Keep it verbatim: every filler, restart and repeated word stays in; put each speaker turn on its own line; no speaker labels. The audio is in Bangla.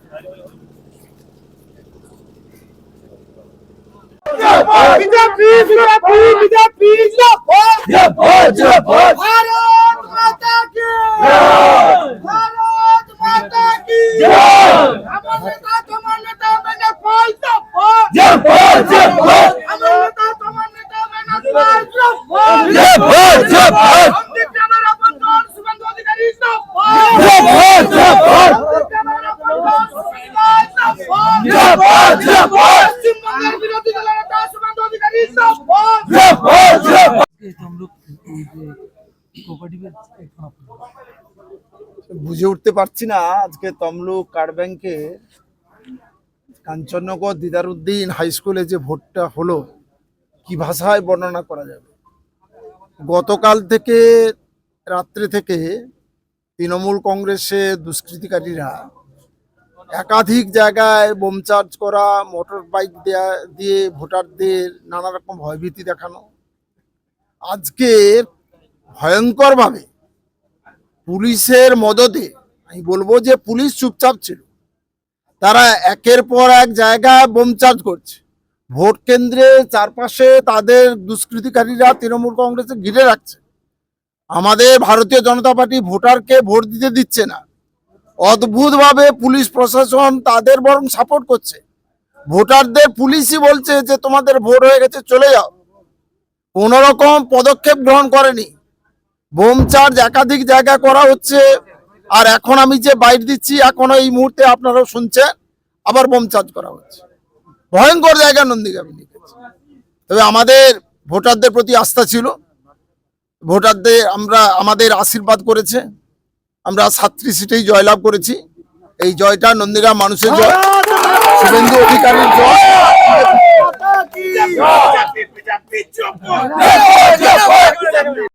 বিজেপি বিজেপি বিজেপি জিন্দাবাদ জিন্দাবাদ ভারত মাতা কি জয় ভারত মাতা কি জয় আমার নেতা তোমার নেতা মেনে পাই জিন্দাবাদ জিন্দাবাদ জিন্দাবাদ আমার নেতা তোমার নেতা মেনে পাই জিন্দাবাদ জিন্দাবাদ জিন্দাবাদ অমৃত আমার বন্ধন শুভেন্দু অধিকারী জিন্দাবাদ জিন্দাবাদ জিন্দাবাদ অমৃত আমার বন্ধন জিন্দাবাদ জিন্দাবাদ জিন্দাবাদ পশ্চিমবঙ্গের বিরোধী দলের নেতা শুভেন্দু অধিকারী জিন্দাবাদ জিন্দাবাদ জিন্দাবাদ
বুঝে উঠতে পারছি না আজকে তমলুক কার্ড ব্যাংকে কাঞ্চননগর দিদারুদ্দিন হাই স্কুলে যে ভোটটা হলো কি ভাষায় বর্ণনা করা যাবে। গতকাল থেকে রাত্রে থেকে তৃণমূল কংগ্রেসের দুষ্কৃতিকারীরা একাধিক জায়গায় বোম চার্জ করা, মোটর বাইক দেয়া দিয়ে ভোটারদের নানা রকম ভয়ভীতি দেখানো, আজকে ভয়ঙ্করভাবে পুলিশের মদতে, আমি বলবো যে পুলিশ চুপচাপ ছিল, তারা একের পর এক জায়গায় বোম চার্জ করছে। ভোট কেন্দ্রের চারপাশে তাদের দুষ্কৃতিকারীরা তৃণমূল কংগ্রেসে ঘিরে রাখছে। আমাদের ভারতীয় জনতা পার্টি ভোটারকে ভোট দিতে দিচ্ছে না। অদ্ভুতভাবে পুলিশ প্রশাসন তাদের বরং সাপোর্ট করছে। ভোটারদের পুলিশই বলছে যে তোমাদের ভোট হয়ে গেছে, চলে যাও। কোন রকম পদক্ষেপ গ্রহণ করেনি। বোম চার্জ একাধিক জায়গা করা হচ্ছে। আর এখন আমি যে বাইট দিচ্ছি, এখনো এই মুহূর্তে আপনারাও শুনছেন, আবার বোম চার্জ করা হচ্ছে। ভয়ঙ্কর জায়গা নন্দীগ্রামে লিখেছে। তবে আমাদের ভোটারদের প্রতি আস্থা ছিল, ভোটারদের আমরা আমাদের আশীর্বাদ করেছে, আমরা সাতটি সিটেই জয়লাভ করেছি। এই জয়টা নন্দীগ্রাম মানুষের জয়, শুভেন্দু অধিকারীর জয়।